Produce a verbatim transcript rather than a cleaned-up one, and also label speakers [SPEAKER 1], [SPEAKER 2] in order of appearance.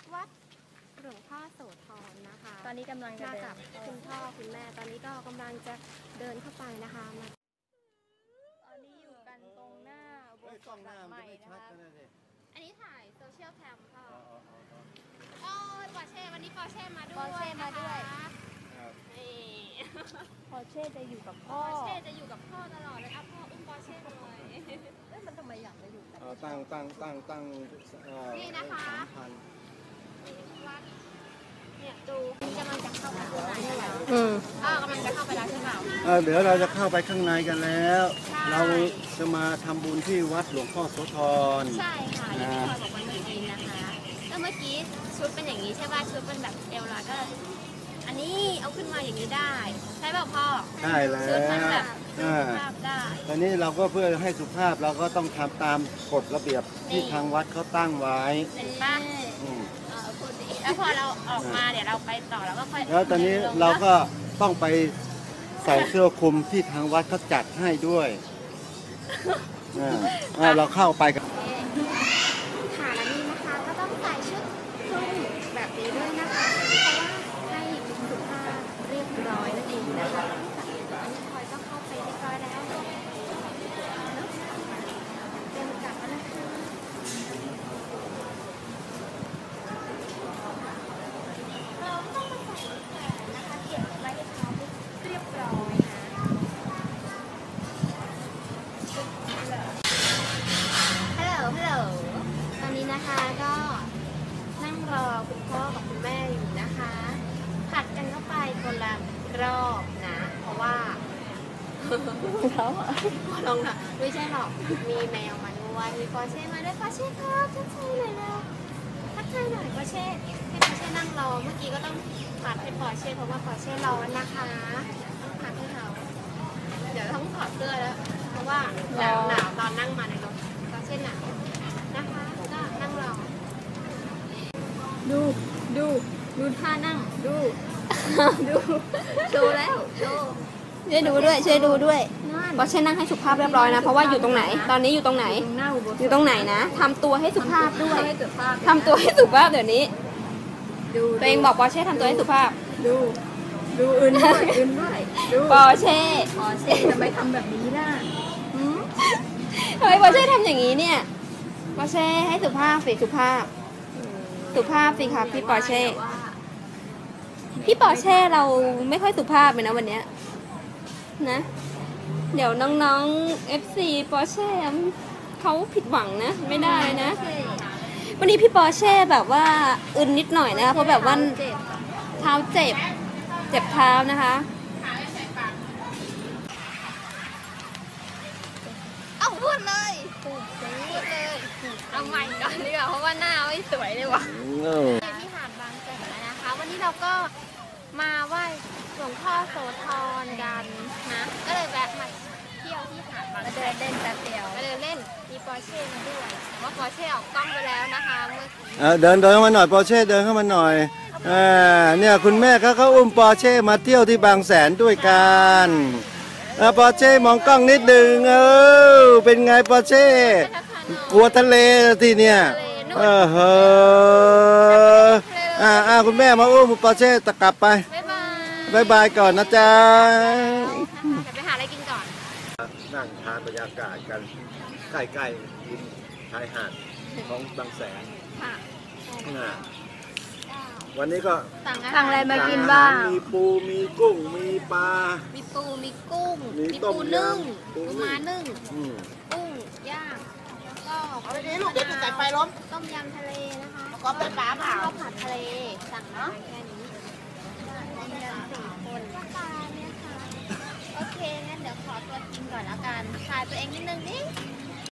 [SPEAKER 1] วัดหลวงพ่อโสธรนะคะ
[SPEAKER 2] ตอนนี้กำลังจะ
[SPEAKER 1] มา
[SPEAKER 2] เดิ
[SPEAKER 1] กับ
[SPEAKER 2] น
[SPEAKER 1] คุณพ่อคุณแม่ตอนนี้ก็กำลังจะเดินเข้าไปนะคะมา
[SPEAKER 2] ตอนนี้อยู่กันตรงหน้าอุโบสถหลังใหม่นะคะ
[SPEAKER 1] อันนี้ถ่ายโซเชียลแคมพ่อโอ้ยปอร์เช่วันนี้ปอร์เช่มาด้วย
[SPEAKER 2] ปอร์เช่มาด้วย
[SPEAKER 1] นี่
[SPEAKER 2] ปอร์เช่จะอยู่กับพ่อ
[SPEAKER 1] ปอร์เช่จะอยู่กับพ่อตลอดเลยอ่ะพ่ออุ้มปอร์เช่เลย
[SPEAKER 2] เอ๊ะมันทำไมอยากมาอยู่กัน
[SPEAKER 3] ตั้งตั้งตั้งตั้ง
[SPEAKER 1] นี่นะคะ
[SPEAKER 3] สามพัน
[SPEAKER 1] วัดเนี่ยดูกำลังจะเข้าไปข้างในแล้ว
[SPEAKER 2] อืม
[SPEAKER 1] อ้าวกำลังจะเข้าไปแล้วใช่เปล่า
[SPEAKER 3] เออเดี๋ยวเราจะเข้าไปข้างในกันแล้ว
[SPEAKER 1] ใช่
[SPEAKER 3] เราจะมาทำบุญที่วัดหลวงพ่อโสธร
[SPEAKER 1] ใช่ค่ะอย่างที่พลอยบอกวันเมื่อกี้นะคะแล้วเมื่อกี้ชุดเป็นอย่างนี้ใช่ป่ะชุดเป็นแบบเอวลอยก็อันนี้เอาขึ้นมาอย่างนี้ได้ใช่ป่ะพ่อ
[SPEAKER 3] ใช่แล้ว
[SPEAKER 1] ชุดมันแบบดู
[SPEAKER 3] อ่า
[SPEAKER 1] ภาพได้
[SPEAKER 3] ตอนนี้เราก็เพื่อให้สุภาพเราก็ต้องทำตามกฎระเบียบที่ทางวัดเขาตั้งไว้
[SPEAKER 1] เห็นป่ะ
[SPEAKER 3] อืม
[SPEAKER 1] เออพูดดิแล้วพอเราออกมาเดี๋ยวเราไปต่อแล้วก็ค่อย
[SPEAKER 3] แล้วตอนนี้เราก็ต้องไปใส่เสื้อคลุมที่ทางวัดเขาจัดให้ด้วยอ่าอ่าเราเข้าไปกัน
[SPEAKER 1] ค่ะและนี่นะคะก็ต้องใส่ชุดคลุมแบบนี้ด้วยนะคะเพราะว่าให้สุภาพเรียบร้อยนั่นเองนะคะอันนี้พลอยก็เข้าไปเรียบร้อยแล้วเนาะเตรียมกลับแล้วนะคะเราต้องมาใส่แขนนะคะเก็บไว้ให้เขาเรียบร้อยนะฮัลโหลฮัลโหลตอนนี้นะคะก็นั่งรอคุณพ่อกับคุณแม่อยู่นะคะผัดกันเข้าไปคนละรอบนะ เพราะว่า
[SPEAKER 2] เขาอ่ะ
[SPEAKER 1] ลองนะไม่ใช่หรอก มีแมวมาด้วยมีปอร์เช่มาด้วยปอร์เช่ครับทักทายหน่อยนะทักทายหน่อยปอร์เช่ให้ปอร์เช่นั่งรอเมื่อกี้ก็ต้องผัดให้ปอร์เช่เพราะว่าปอร์เช่ร้อนนะคะต้องผัดให้เขาเดี๋ยวต้องถอดเสื้อแล้ว เพราะว่าหนาวหนาวตอนนั่งมาในรถปอร์เช่หนาวนะคะก็นั่งรอ
[SPEAKER 2] ดูดูดูท่านั่งดู
[SPEAKER 1] ดูโชว์แล้วโชว์
[SPEAKER 2] ช่วยดูด้วยช่วยดูด้วย
[SPEAKER 1] นั่น
[SPEAKER 2] ปอร์เช่นั่งให้สุภาพเรียบร้อยนะเพราะว่าอยู่ตรงไหน ตอนนี้อยู่ตรงไหน
[SPEAKER 1] ตรงหน้าอุโบสถ
[SPEAKER 2] อยู่ตรงไหนนะทำตัวให้สุภาพด้วย
[SPEAKER 1] ให้สุภาพ
[SPEAKER 2] ทำตัวให้สุภาพเดี๋ยวนี้
[SPEAKER 1] ดู
[SPEAKER 2] ตัวเองบอกปอร์เช่ทำตัวให้สุภาพ
[SPEAKER 1] ดูดูอื่นด้วยอื่นด้วยดู
[SPEAKER 2] ปอร์เช่
[SPEAKER 1] ปอร์เช่ทำไมทำแบบนี้ล่ะ
[SPEAKER 2] หืมทำไมปอร์เช่ทำอย่างนี้เนี่ยปอร์เช่ให้สุภาพสิสุภาพ สุภาพสิครับพี่ปอร์เช่พี่ปอร์เช่เราไม่ค่อยสุภาพเลยนะวันเนี้ยนะ เดี๋ยวน้องๆ เอฟ ซี ปอร์เช่เขาผิดหวังนะ ไม่ได้นะ วันนี้พี่ปอร์เช่แบบว่าอึนนิดหน่อยนะคะเพราะแบบว่าเท้าเจ็บ เจ็บเท้านะคะ
[SPEAKER 1] เอาพูดเลยพูดเลยเอาใหม่ก่อนดีกว่าเพราะว่าหน้าไม่สวยเลยว่ะที่หาดบางแสนแล้วนะคะ วันนี้เราก็มาไหว้หลวงพ่อโสธรกันนะก็เลยแวะมาเที่ยวที่หาดบางแสนเดินเล่นแป๊บเดียวมาเดินเล่นมีปอร์เช่มาด้วยว่าปอร์เช่ออกกล้องไปแล้วนะคะเมื่อกี้
[SPEAKER 3] เออเดินเดินเข้ามาหน่อยปอร์เช่เดินเข้ามาหน่อยอ่าเนี่ยคุณแม่เขาเขาอุ้มปอร์เช่มาเที่ยวที่บางแสนด้วยกันอ่าปอร์เช่มองกล้องนิดนึงเออเป็นไงปอร์เช่กลัวทะเลทีเนี่ยเออเฮ้ออ่าอ่าคุณแม่มาอุ้มปอร์เช่ตะกลับไป
[SPEAKER 1] บ๊ายบาย
[SPEAKER 3] บายบายก่อนนะจ๊ะ
[SPEAKER 1] เดี๋ยวไปหาอะไรกินก่อน
[SPEAKER 3] นั่งทานบรรยากาศกันใกล้ๆริมชายหาดของบางแสน
[SPEAKER 1] ค่ะ
[SPEAKER 3] อ่าวันนี้ก็
[SPEAKER 1] สั่งอา
[SPEAKER 2] สั่ง
[SPEAKER 1] หาร
[SPEAKER 2] อะไรมากินบ้าง
[SPEAKER 3] มีปูมีกุ้งมีปลา
[SPEAKER 1] มีปู มีกุ้ง
[SPEAKER 3] มี
[SPEAKER 1] มี
[SPEAKER 3] ต้ม
[SPEAKER 1] ปูนึ่ง
[SPEAKER 3] ยำปู
[SPEAKER 1] ปู
[SPEAKER 3] นึ่ง
[SPEAKER 1] ม้านึ่ง
[SPEAKER 3] อืม
[SPEAKER 1] กุ้งย่าง แล้วก็
[SPEAKER 4] เอาไปนี้ลูกเดี๋ยวถูกไก่ไฟล้ม
[SPEAKER 1] ต้มยำทะเลนะคะ
[SPEAKER 4] ก็เป็นปลาเปล่า
[SPEAKER 1] ข้าวผัดทะเล สั่งมาแค่นี้ต้มยำสี่คนปลาเนี่ยค่ะ โอเค งั้นเดี๋ยวขอตัวกินก่อนแล้วกันถ่ายตัวเองนิดนึงดิ